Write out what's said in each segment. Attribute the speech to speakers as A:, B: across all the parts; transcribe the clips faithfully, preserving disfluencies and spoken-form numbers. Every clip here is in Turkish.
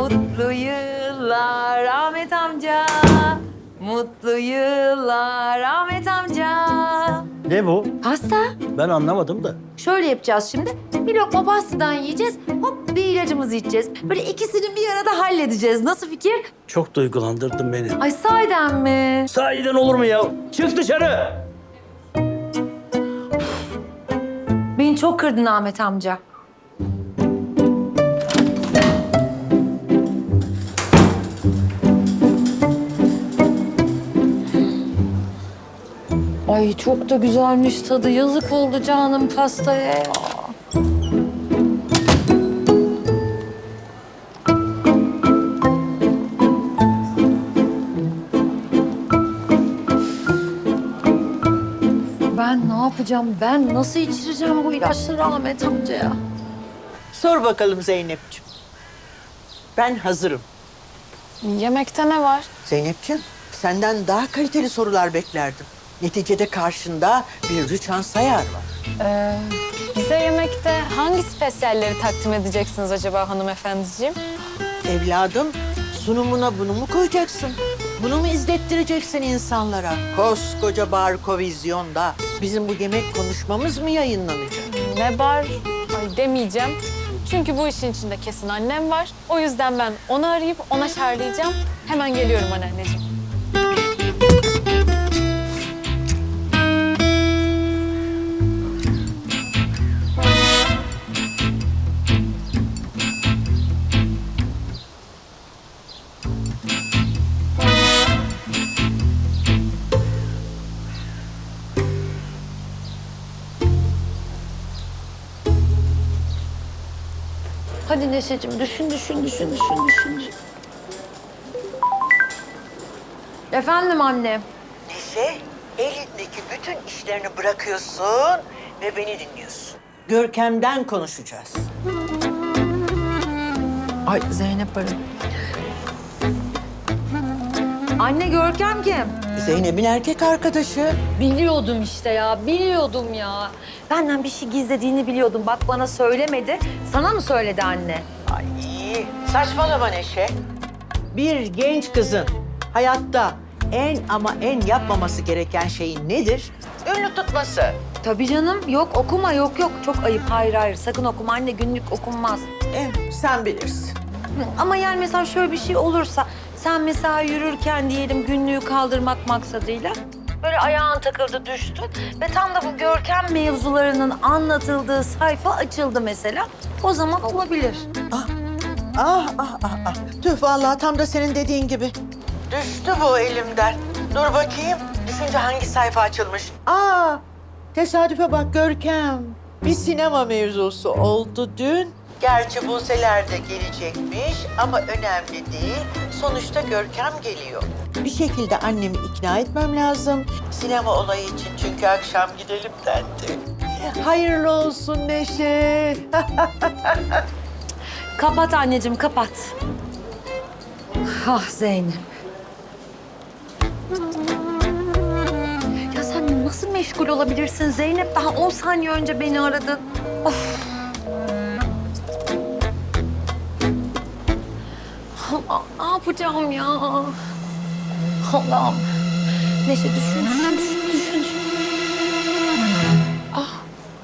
A: Mutlu yıllar Ahmet amca. Mutlu yıllar Ahmet amca.
B: Ne bu?
A: Pasta.
B: Ben anlamadım da.
A: Şöyle yapacağız şimdi. Bir lokma pastadan yiyeceğiz. Hop bir ilacımızı içeceğiz. Böyle ikisini bir arada halledeceğiz. Nasıl fikir?
B: Çok duygulandırdın beni.
A: Ay sahiden mi?
B: Sahiden olur mu ya? Çık dışarı.
A: Beni çok kırdın Ahmet amca. Ay çok da güzelmiş tadı. Yazık oldu canım pastaya ya. Ben ne yapacağım? Ben nasıl içireceğim bu ilaçları Ahmet amcaya?
C: Sor bakalım Zeynep'ciğim. Ben hazırım.
D: Yemekte ne var?
C: Zeynep'ciğim, senden daha kaliteli sorular beklerdim. Neticede karşında bir Rüçhan Sayar var.
D: Ee, bize yemekte hangi spesiyalleri takdim edeceksiniz acaba hanımefendiciğim?
C: Evladım, sunumuna bunu mu koyacaksın? Bunu mu izlettireceksin insanlara? Koskoca Barkovizyon'da bizim bu yemek konuşmamız mı yayınlanacak?
D: Ne bar? Ay demeyeceğim. Çünkü bu işin içinde kesin annem var. O yüzden ben onu arayıp ona şarlayacağım. Hemen geliyorum anneanneciğim.
A: Hadi Neşeciğim düşün, düşün, düşün, düşün, düşün. Efendim anne.
C: Neşe, elindeki bütün işlerini bırakıyorsun ve beni dinliyorsun. Görkem'den konuşacağız.
A: Ay Zeynep arıyor. Anne Görkem kim?
C: Zeynep'in erkek arkadaşı.
A: Biliyordum işte ya, biliyordum ya. Benden bir şey gizlediğini biliyordum. Bak bana söylemedi. Sana mı söyledi anne?
C: Ay saçmalama Neşe. Bir genç kızın hayatta en ama en yapmaması gereken şeyin nedir? Ünlü tutması.
A: Tabii canım. Yok okuma, yok yok. Çok ayıp. Hayır hayır. Sakın okuma anne. Günlük okunmaz.
C: Eh, sen bilirsin.
A: Ama yani mesela şöyle bir şey olursa... Sen mesela yürürken diyelim günlüğü kaldırmak maksadıyla... Böyle ayağın takıldı düştü ve tam da bu Görkem mevzularının anlatıldığı sayfa açıldı mesela. O zaman olabilir.
C: Ah, ah, ah, ah, ah. Tüh vallahi tam da senin dediğin gibi. Düştü bu elimden. Dur bakayım. Düşünce hangi sayfa açılmış? Aa, tesadüfe bak Görkem. Bir sinema mevzusu oldu dün. Gerçi Buse'ler de gelecekmiş ama önemli değil. Sonuçta Görkem geliyor. Bir şekilde annemi ikna etmem lazım. Sinema olayı için çünkü akşam gidelim dendi. Hayırlı olsun Neşe.
A: Kapat anneciğim, kapat. Ah Zeynep. Ya sen nasıl meşgul olabilirsin Zeynep? Daha on saniye önce beni aradın. Of. Allah, ne yapacağım ya? Allah'ım. Neşe düşün, düşün, düşün, düşün. düşün. Ah.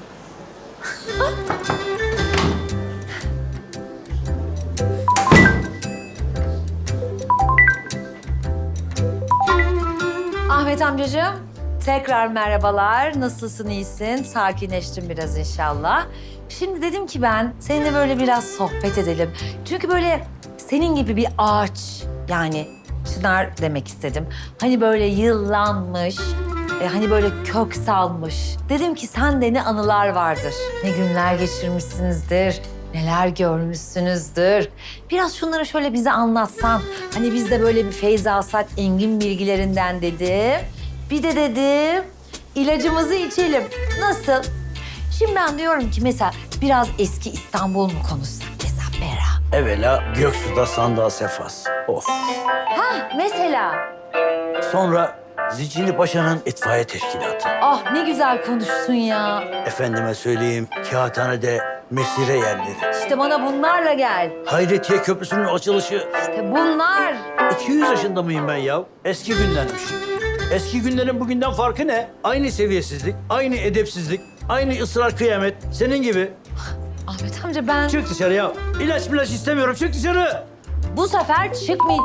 A: Ahmet amcacığım, tekrar merhabalar. Nasılsın, iyisin? Sakinleştin biraz inşallah. Şimdi dedim ki ben seninle böyle biraz sohbet edelim. Çünkü böyle senin gibi bir ağaç, yani çınar demek istedim. Hani böyle yıllanmış, e, hani böyle kök salmış. Dedim ki sende ne anılar vardır, ne günler geçirmişsinizdir, neler görmüşsünüzdür. Biraz şunları şöyle bize anlatsan. Hani biz de böyle bir feyz alsak engin bilgilerinden dedim. Bir de dedim ilacımızı içelim. Nasıl? Şimdi ben diyorum ki mesela biraz eski İstanbul mu konuşsak mesela Bera?
B: Evvela Göksu'da Sandığa Sefas. Of.
A: Ha mesela.
B: Sonra Zicili Paşa'nın itfaiye teşkilatı.
A: Ah ne güzel konuştun ya.
B: Efendime söyleyeyim, kağıthanede mesire yerleri.
A: İşte bana bunlarla gel.
B: Hayretiye Köprüsü'nün açılışı.
A: İşte bunlar.
B: iki yüz yaşında mıyım ben ya? Eski günlermiş. Eski günlerin bugünden farkı ne? Aynı seviyesizlik, aynı edepsizlik, aynı ısrar kıyamet. Senin gibi.
A: Ahmet amca ben
B: Çık dışarı ya. İlaç milaç istemiyorum. Çık dışarı.
A: bu sefer çıkmay...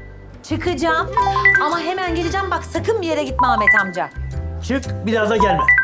A: Çıkacağım ama hemen geleceğim. Bak sakın bir yere gitme Ahmet amca.
B: Çık bir daha da gelme.